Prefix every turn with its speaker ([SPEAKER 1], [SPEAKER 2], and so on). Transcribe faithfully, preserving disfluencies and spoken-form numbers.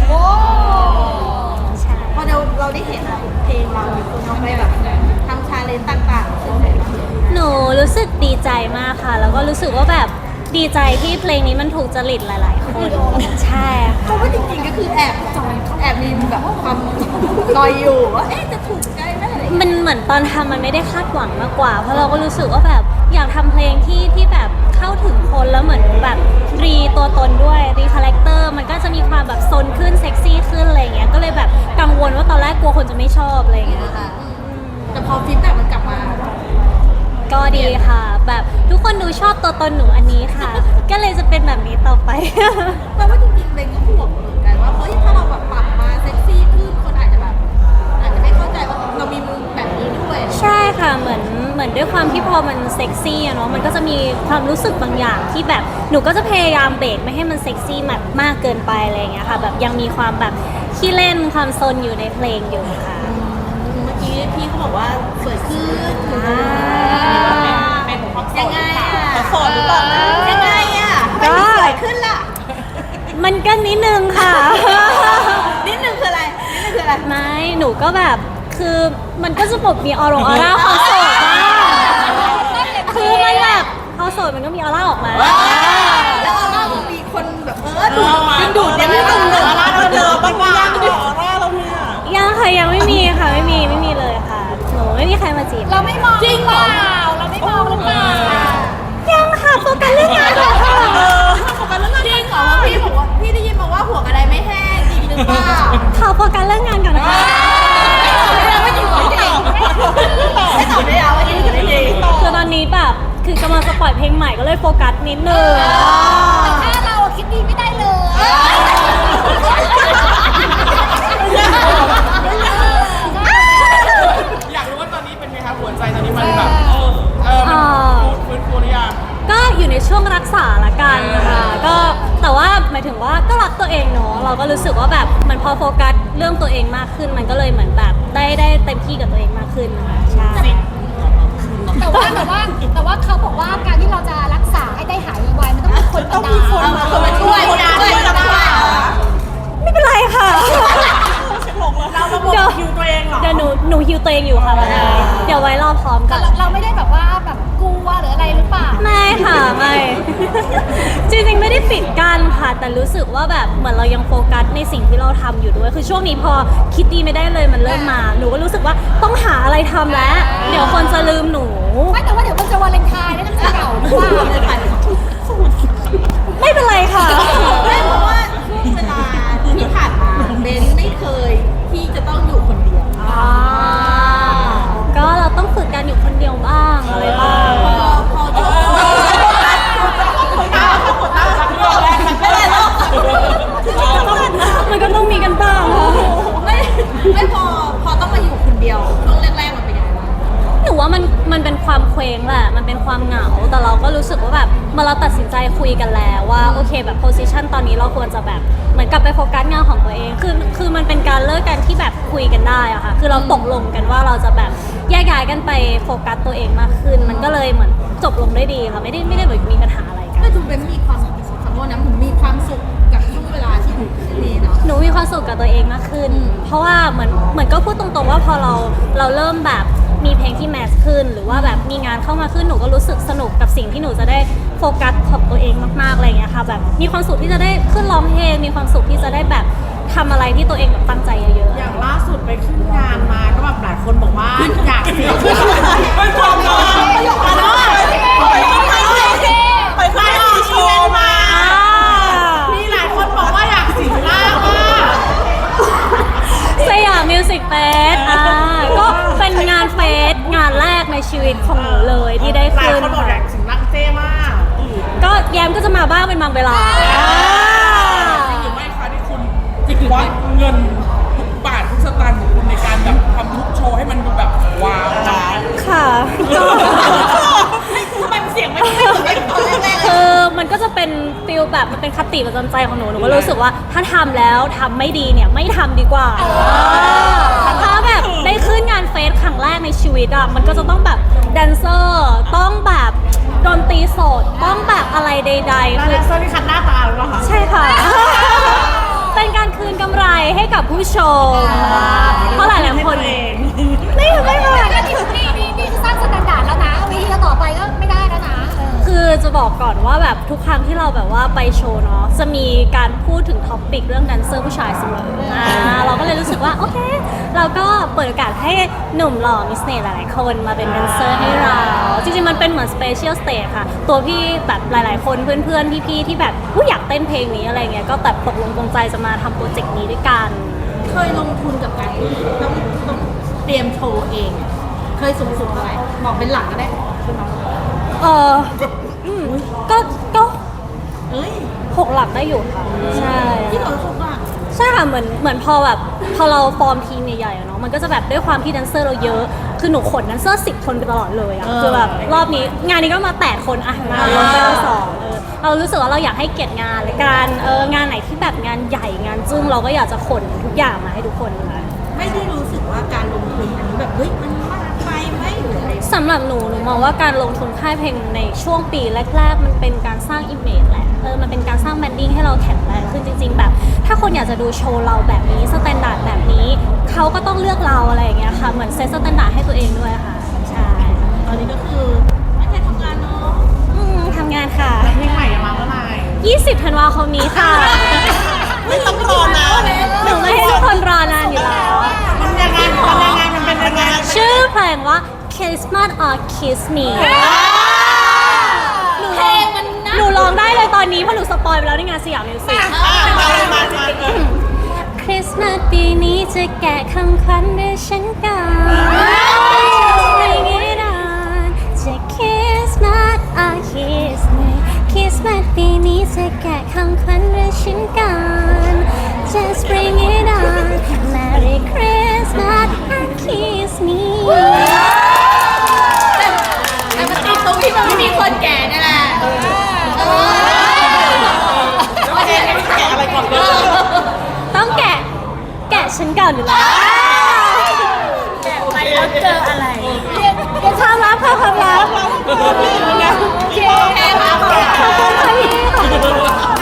[SPEAKER 1] โอ้
[SPEAKER 2] ใช่
[SPEAKER 1] พอเราเราได้เห็นเพลงเรามีคนเอาไปแบบทำชาเลนจ์ต่างๆซึ่งไหนบ้าง
[SPEAKER 2] หนูรู้สึกดีใจมากค่ะ แล้วก็รู้สึกว่าแบบดีใจที่เพลงนี้มันถูกจริตหลาย ๆ คนใช่
[SPEAKER 1] เพราะว่าจริงๆก็คือแอบแอบมีแบบความนอยอยู่ว่าเอ๊ะจะถูกใจไหมอะไรอย่างเงี้ย
[SPEAKER 2] มันเหมือนตอนทำมันไม่ได้คาดหวังมากกว่า เพราะเราก็รู้สึกว่าแบบอยากทำเพลงที่ที่แบบเข้าถึงคนแล้วเหมือนแบบรีตัวตนด้วยรีคาแรคเตอร์มันก็จะมีความแบบซนขึ้นเซ็กซี่ขึ้นอะไรเงี้ยก็เลยแบบกังวลว่าตอนแรกกลัวคนจะไม่ชอบอะไรเงี้ยค่ะ
[SPEAKER 1] แต่พอฟีดแบ็กมันกลับมา
[SPEAKER 2] ก็ดีค่ะ แบบทุกคนดูชอบตัวตนหนูอันนี้ค่ะ ก็เลยจะเป็นแบบนี้ต่อไป
[SPEAKER 1] แปลว่าจริงๆเลยก็ห่วงเหมือนกันว่าเฮ้ยถ้าเราแบบปรับมาเซ็กซี่ขึ้นคนอาจจะแบบอาจจะไม่เข้าใจว่าเรามีมุมแบบนี้ด้วย
[SPEAKER 2] ใช่ค่ะเหมือนเหมือนด้วยความที่พอมันเซ็กซี่อะเนาะมันก็จะมีความรู้สึกบางอย่างที่แบบหนูก็จะพยายามเบรกไม่ให้มันเซ็กซี่แบบมากเกินไปอะไรอย่างเงี้ยค่ะแบบยังมีความแบบขี้เล่นความซนอยู่ในเพลงอยู่ค่ะ
[SPEAKER 1] เมื่อกี้พี่เขาบอกว่าสวยขึ้น
[SPEAKER 2] อ่า
[SPEAKER 1] เป็นความยังไงอ่ะโสดหรือเปล่ายังไงอ่ะทำไมสวยขึ้นล่ะ
[SPEAKER 2] มันก็นิดนึงค่ะ
[SPEAKER 1] นิดนึงคืออะไรนิดนึงคืออะไร
[SPEAKER 2] ไม่หนูก็แบบคือมันก็จะแบบมีออร่าออร่าความโสดบ้างคือมันแบบพอโสดมันก็มีออร่าออกมา
[SPEAKER 1] แล้วออร่ามันมีคนแบบเออดูดดึงดูดยังไม่ดึงดูดออร่าเราเจอบ้างยังออร่าเราเนี่ย
[SPEAKER 2] ยังค่ะยังไม่มีค่ะไม่มีไม่มีเลยค่ะหนูไม่มีใครมาจีบ
[SPEAKER 3] เราไม่มองจริงเปล่าเราไม่มองหรือเปล่า
[SPEAKER 2] ยังค่ะโฟกัสเรื่องงานก่อนค่ะ
[SPEAKER 1] โฟกัสเรื่องงานจริงเหรอพี่บอกว่าพี่ได้ยินมาว่าหัวกระไดไม่แห้งจริงหรือเปล่า
[SPEAKER 2] ขอโฟกัสเรื่องงานก่อนนะคะ
[SPEAKER 1] ไม่จริงไม่จริงไม่ตอบได้แล้วว่าจริงหรือไม่จริง
[SPEAKER 2] คือตอนนี้แบบคือกำลังจะปล่อยเพลงใหม่ก็เลยโฟกัสนิดนึง
[SPEAKER 3] ถ้าเราคิดดีไม่ได้เลย
[SPEAKER 4] อยากรู้ว่าตอนนี้เป็นไงครับหัวใจตอนนี้มันแบบเออเออมันฟื้นฟูหรือยัง
[SPEAKER 2] ก็อยู่ในช่วงรักษาละกันค่ะก็แต่ว่าหมายถึงว่าก็รักตัวเองเนาะเราก็รู้สึกว่าแบบมันพอโฟกัสเรื่องตัวเองมากขึ้น มันก็เลยเหมือนแบบได้ได้เต็มที่กับตัวเองมากขึ้นนะคะใช่
[SPEAKER 3] แต่ว่าแต่ว่าแต่ว่าเขาบอกว่าการที่เราจะรักษาให้ได้หายไวๆมันต้องมีคนต้องมีคน
[SPEAKER 1] มาคนมาช่วยกันช่วยกันได้
[SPEAKER 2] ไม่เป็นไรค่ะ
[SPEAKER 1] เราระบบคิวตัวเองเหรอ
[SPEAKER 2] เดี๋ยวหนูหนูฮิวตัวเองอยู่ค่ะวันนี้เดี๋ยวไว้รอพร้อมกัน
[SPEAKER 3] เราไม่ได้แบบว่าแบบกลัวหรืออะไรหรือเปล่า
[SPEAKER 2] ไม่ค่ะไม่ จริงๆไม่ได้ปิดกั้นค่ะ แต่รู้สึกว่าแบบเหมือนเรายังโฟกัสในสิ่งที่เราทำอยู่ด้วย คือช่วงนี้พอคิดดีไม่ได้เลยมันเริ่มมา หนูก็รู้สึกว่าต้องหาอะไรทำแล้ว เดี๋ยวคนจะลืมหนู
[SPEAKER 3] ไม่แต่ว่าเดี๋ยวมันจะวาเลนไทน์แล้วจะเก่าหรือเปล่า
[SPEAKER 2] ไม่เป็นไรค่ะ
[SPEAKER 1] ไม่เพราะว่าช่วงเวลาที่ผ่านมาเบนไม่เคยที่จะต้องอยู่คนเดียว
[SPEAKER 2] อ่าก็เราต้องฝึกการอยู่คนเดียวบ้างอะไรบ้าง
[SPEAKER 1] พอพอช่วง
[SPEAKER 2] มันก็ต้องมีกันบ้างค่ะ
[SPEAKER 1] ไม่ไม่พอพอต้องมาอยู่คนเดียวช่วงแรกๆมันเป็นยังไงบ้าง
[SPEAKER 2] หนูว่ามันมันเป็นความเคว้งแหละ มันเป็นความเหงา แต่เราก็รู้สึกว่าแบบเมื่อเราตัดสินใจคุยกันแล้วว่าโอเคแบบโพสิชันตอนนี้เราควรจะแบบเหมือนกลับไปโฟกัสงานของตัวเอง คือคือมันเป็นการเลิกกันที่แบบคุยกันได้อะค่ะ คือเราตกลงกันว่าเราจะแบบแยกย้ายกันไปโฟกัสตัวเองมากขึ้น มันก็เลยเหมือนจบลงได้ดีค่ะ ไม่ได้ไม่ได้แบบมีปัญหาอะไรกัน
[SPEAKER 1] ก็ดูเบนมีความขอโทษนะผมมีความสุขกับช่วงเวลาที่อยู่ที่นี่เนาะ
[SPEAKER 2] หนูมีความสุขกับตัวเองมากขึ้น เพราะว่าเหมือนเหมือนก็พูดตรงๆว่าพอเราเราเริ่มแบบมีเพลงที่แมสขึ้น หรือว่าแบบมีงานเข้ามาขึ้นหนูก็รู้สึกสนุกกับสิ่งที่หนูจะได้โฟกัสของตัวเองมากๆอะไรอย่างเงี้ยค่ะแบบมีความสุขที่จะได้ขึ้นร้องเพลงมีความสุขที่จะได้แบบทำอะไรที่ตัวเองแบบตั้งใจเยอะๆ
[SPEAKER 5] อย่างล่าสุดไปขึ้นงานมาก็แบบหลายคนบอกว่าอยากเสียง
[SPEAKER 4] เป็นความรัก
[SPEAKER 5] ประโยคนั้นไปไปโชว์มามีหลายคนบอกว่าอยากสิงร่างว่า
[SPEAKER 2] สยามมิวสิกเฟสอ่าก็เป็นงานเฟสงานแรกในชีวิตของหนูเลยที่ได้
[SPEAKER 5] หลาย
[SPEAKER 2] ขึ้น
[SPEAKER 5] คนบอกอยากสิงร่างเจ้มาก
[SPEAKER 2] ก็แยมก็จะมาบ้างเป็นบางเวลา
[SPEAKER 4] จริงหรือไม่คะที่คุณควักเงินทุกบาททุกสตางค์ของคุณในการแบบทำทุกโชว์ให้มันดูแบบว้าว
[SPEAKER 2] ค่ะ
[SPEAKER 1] ทำไมเสียงไม่ไม่เหมือนกันตอนแรกๆเลย
[SPEAKER 2] คือมันก็จะเป็นฟิลแบบมันเป็นคติประจำใจของหนูหนูก็รู้สึกว่าถ้าทำแล้วทำไม่ดีเนี่ยไม่ทำดีกว่าถ้าแบบได้ขึ้นงานเฟสครั้งแรกในชีวิตอ่ะมันก็จะต้องแบบแดนเซอร์ต้องแบบดนตรีสดต้องแบบอะไรใดๆ
[SPEAKER 5] แล้ว
[SPEAKER 2] คือ
[SPEAKER 5] แดนเซอร์ที่คัดหน้าตาหรือเปล่าคะ
[SPEAKER 2] ใช่ค่ะ เป็นการคืนกำไรส์ให้กับผู้ชมเพราะหลายๆคนเองไม่ไม่ไม่
[SPEAKER 3] นี่นี่นี่นี่คือสร้างสแตนดาร์ดแล้วนะวิธีต่อไปก็ไม่ได้แล้วนะเออ
[SPEAKER 2] คือจะบอกก่อนว่าแบบทุกครั้งที่เราแบบว่าไปโชว์เนาะจะมีการพูดถึงท็อปปิกเรื่องแดนเซอร์ผู้ชายเสมออ่าเราก็เลยรู้สึกว่าโอเคเราก็เปิดโอกาสให้หนุ่มหล่อมิสเนตหลายๆคนมาเป็นแดนเซอร์ให้เราจริงๆมันเป็นเหมือนสเปเชียลสเตจค่ะตัวพี่แบบหลายๆคนเพื่อนๆพี่ๆที่แบบผู้อยากเต้นเพลงนี้อะไรเงี้ยก็แบบตกลงปรงใจจะมาทำโปรเจกต์นี้ด้วยกัน
[SPEAKER 1] เคยลงทุนกับการที่ต้องต้องเตรียมโชว์เอง เคยสูงสุดเท่าไหร่บอกเป็นหลักก็ได้คือน้อง
[SPEAKER 2] เอออืมก็ก็
[SPEAKER 1] เอ้ย
[SPEAKER 2] หกหลักได้อยู่ค่ะใช่
[SPEAKER 1] ที่เราสูงอ่ะ
[SPEAKER 2] ใช่ค่ะเหมือนเหมือนพอแบบพอเราฟอร์มทีมใหญ่ๆอะเนาะมันก็จะแบบด้วยความที่แดนเซอร์เราเยอะคือหนูขนแดนเซอร์สิบคนไปตลอดเลยอะคือแบบรอบนี้งานนี้ก็มาแปดคนอะงานลงไปเราสองเออเรารู้สึกว่าเราอยากให้เกียรติงานเลยการเอองานไหนที่แบบงานใหญ่งานจึ้งเราก็อยากจะขนทุกอย่างมาให้ทุกคนค่ะ
[SPEAKER 1] ไม่ได้รู้สึกว่าการลงทุนอันนี้แบบเฮ้ยมันมากไปไหมหรืออะไร
[SPEAKER 2] สำหรับหนูหนูมองว่าการลงทุนค่ายเพลงในช่วงปีแรกๆ มันเป็นการสร้างอิมเมจแหละเออมันเป็นการสร้างแบรนดิ้งให้เราแข็งแรงขึ้นจริง ๆ แบบ ถ้าคนอยากจะดูโชว์เราแบบนี้สแตนดาร์ดแบบนี้เขาก็ต้องเลือกเราอะไรอย่างเงี้ยค่ะเหมือนเซตสแตนดาร์ดให้ตัวเองด้วยค่ะใช่
[SPEAKER 1] ตอนนี้ก็คือไม่ใช่ทำงานเนาะ
[SPEAKER 2] อืมทำงานค่ะ
[SPEAKER 5] เพลงใหม่จะมาเมื่อไหร่
[SPEAKER 2] ยี่สิบธันวาคมนี้ค่ะ
[SPEAKER 5] ไม่ต้องรอนะ
[SPEAKER 2] หนูไม่ให้ทุกคนรอนานอยู่แล้ว
[SPEAKER 5] มันยังไงมันยังไงมันเป็นยังไง
[SPEAKER 2] ชื่อเพลงว่า Christmas or Kiss Me
[SPEAKER 1] เพลงมันนะ
[SPEAKER 2] หนูร้องได้เลยตอนนี้เพราะหนูสปอยไปแล้วในงานสยามมิวสิก
[SPEAKER 5] มาเลยมามาเออ
[SPEAKER 2] คริสต์มาสปีนี้จะแกะคำขวัญด้วยฉันก่อนไม่งี้นอนจะคริสต์มาสอ่ะคริสต์มาสคริสต์มาสปีนี้จะแกะคำขวัญด้วยฉันก่อน Just bring it on Merry Christmas and kiss me
[SPEAKER 1] แต่มันติดตรงที่มันไม่มีคนแก่นี่แหละเออ
[SPEAKER 5] แล้วเพลงแกะอะไรก่อนเลย
[SPEAKER 2] ต้องแกะ แกะฉันก่อนอยู่แล้ว
[SPEAKER 1] ไปแล้วเจออะไร
[SPEAKER 2] ความลับค่ะความลับ
[SPEAKER 5] โอเค
[SPEAKER 2] ขอบคุณค่ะพี่